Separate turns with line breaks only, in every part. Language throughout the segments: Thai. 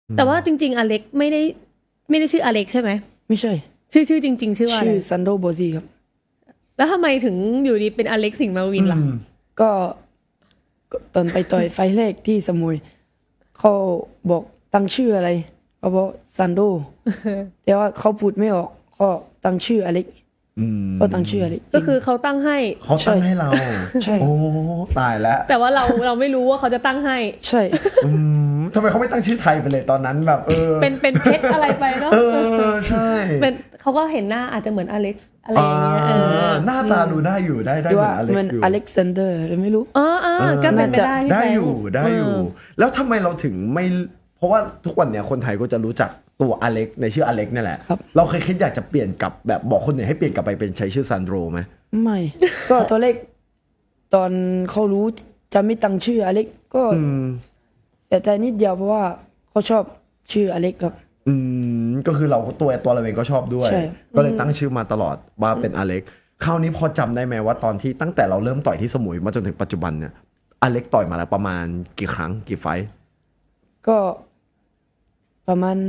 แต่ว่าจริงๆอเล็กไม่ได้ชื่ออเล็กใช่ไหม
ไม่ใช่
ชื่อจริงๆชื่อว่าอะไร
ชื่อซันโดโบซีครับ
แล้วทำไมถึงอยู่ดีเป็นอเล็กสิงห์มาวินล่ะ
ก็ตอนไปต่อยไฟแรกที่สมุยเขาบอกตั้งชื่ออะไรเขาบอกซันโดแต่ว่าเขาพูดไม่ออกก็ตั้งชื่ออเล็กก็ตั้งชื่ออเล็ก
ก็คือเขาตั้งให้
เรา
ใช่
โอ้ตายแล้ว
แต่ว่าเราไม่รู้ว่าเขาจะตั้งให้
ใช่
ทำไมเขาไม่ตั้งชื่อไทยไปเลยตอนนั้นแบบ
เป็นเพชรอะไรไปเนาะ
ใช่
เป็นเขาก็เห็นหน้าอาจจะเหมือนอเล็กซ์อะไรอย่างเงี้ย
หน้าตาดูได้อยู่ได้
หรือว่า
เหมื
มั
อน น
อเล็กซานเดอร์หรือไม่รู้
ก็เป็นไปได้พี่
ได้
แฟ
อยู่ได้อยู่ แล้วทำไมเราถึงไม่เพราะว่าทุกวันเนี่ยคนไทยก็จะรู้จักตัวอเล็กในชื่ออเล็กนี่แหละเราเคยคิดอยากจะเปลี่ยนกับแบบบอกคนอื่นให้เปลี่ยนกลับไปเป็นใช้ชื่อซันโดรไหม
ไม่ก็ตอนแรกตอนเขารู้จะไม่ตั้งชื่ออเล็กก็เสียใจนิดเดียวเพราะว่าเขาชอบชื่ออเล็กครับ
ก็คือเราตัวเราเองก็ชอบด้วยก็เลยตั้งชื่อมาตลอดว่าเป็นอเล็กคราวนี้พอจำได้ไหมว่าตอนที่ตั้งแต่เราเริ่มต่อยที่สมุยมาจนถึงปัจจุบันเนี่ยอเล็กต่อยมาแล้วประมาณกี่ครั้งกี่ไฟท์
ก็ประมาณ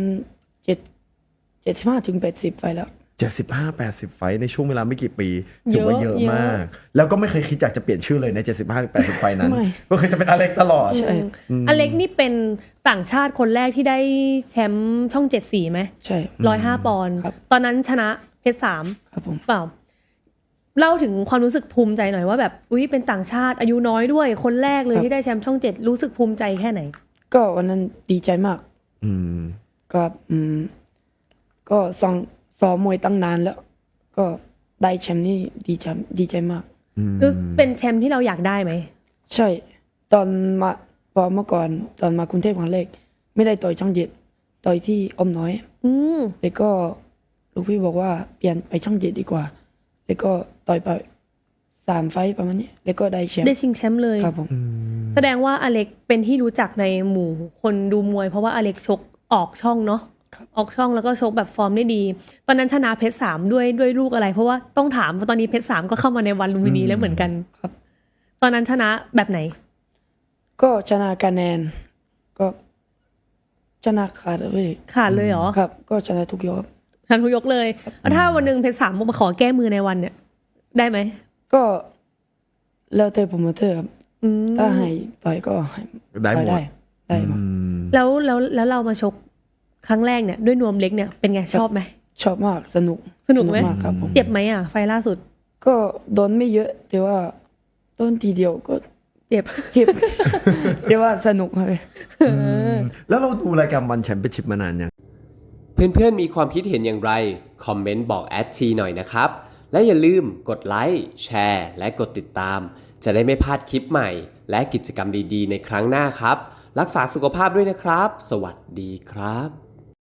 75 ถึง 80 ไฟแล้ว
75-80 ไฟท์ในช่วงเวลาไม่กี่ปีถือว่าเยอะมากแล้วก็ไม่เคยคิดอยากจะเปลี่ยนชื่อเลยใน75-80 ไฟท์นั้นก็คือจะเป็นอเล็กตลอด
ใช่
อเล็กนี่เป็นต่างชาติคนแรกที่ได้แชมป์ช่อง7-4ไหม
ใช่
105 ปอนด์ตอนนั้นชนะเพชร3
ครับผม
เปล่าเล่าถึงความรู้สึกภูมิใจหน่อยว่าแบบอุ๊ยเป็นต่างชาติอายุน้อยด้วยคนแรกเลยที่ได้แชมป์ช่อง7รู้สึกภูมิใจแค่ไหน
ก็วันนั้นดีใจมากครับก็ซ้อมมวยตั้งนานแล้วก็ได้แชมป์นี่ดีใจมาก
เป็นแชมป์ที่เราอยากได้ไหม
ใช่ตอนมาพอเมื่อก่อนตอนมากรุงเทพครั้งแรกไม่ได้ต่อยช่อง7ต่อยที่อ้อมน้อยแล้วก็ลูกพี่บอกว่าเปลี่ยนไปช่อง7ดีกว่าแล้วก็ต่อยไป3 ไฟต์ประมาณนี้แล้วก็ได้แชมป์
ได้ชิงแชมป์เลย
ครับผม
แสดงว่าอเล็กเป็นที่รู้จักในหมู่คนดูมวยเพราะว่าอเล็กชกออกช่องเนาะออกช่องแล้วก็ชกแบบฟอร์มได้ดีตอนนั้นชนะเพชร3ด้วยลูกอะไรเพราะว่าต้องถามเพราะตอนนี้เพชร3ก็เข้ามาในวันลุมพินีแล้วเหมือนกัน
ครับ
ตอนนั้นชนะแบบไหน
ก็ชนะคะแนนก็ชนะขาด
เลยเหรอ
ครับก็ชนะทุกยก
ชนะทุกยกเลยแล้วถ้าวันนึงเพชร3มาขอแก้มือในวันเนี่ยได้ไหม
ก็แล้วแต่โปรโมเตอร์ครับถ้าให้ต่อยก็ให้
ได้หมด
ได้หมด
แล้วเรามาชกครั้งแรกเนี่ยด้วยนวมเล็กเนี่ยเป็นไงชอบไหม
ชอบมากสนุก
ไหม
ครับผม
เจ็บไหมไฟล่าสุด
ก็โดนไม่เยอะแต่ว่าโดนทีเดียวก็
เจ็บ
แต่ว่าสนุกเลย
แล้วเราดูรายการวันแชมเปี้ยนชิพมานานยัง
เพื่อนๆมีความคิดเห็นอย่างไรคอมเมนต์บอกทีหน่อยนะครับและอย่าลืมกดไลค์แชร์และกดติดตามจะได้ไม่พลาดคลิปใหม่และกิจกรรมดีๆในครั้งหน้าครับรักษาสุขภาพด้วยนะครับสวัสดีครับ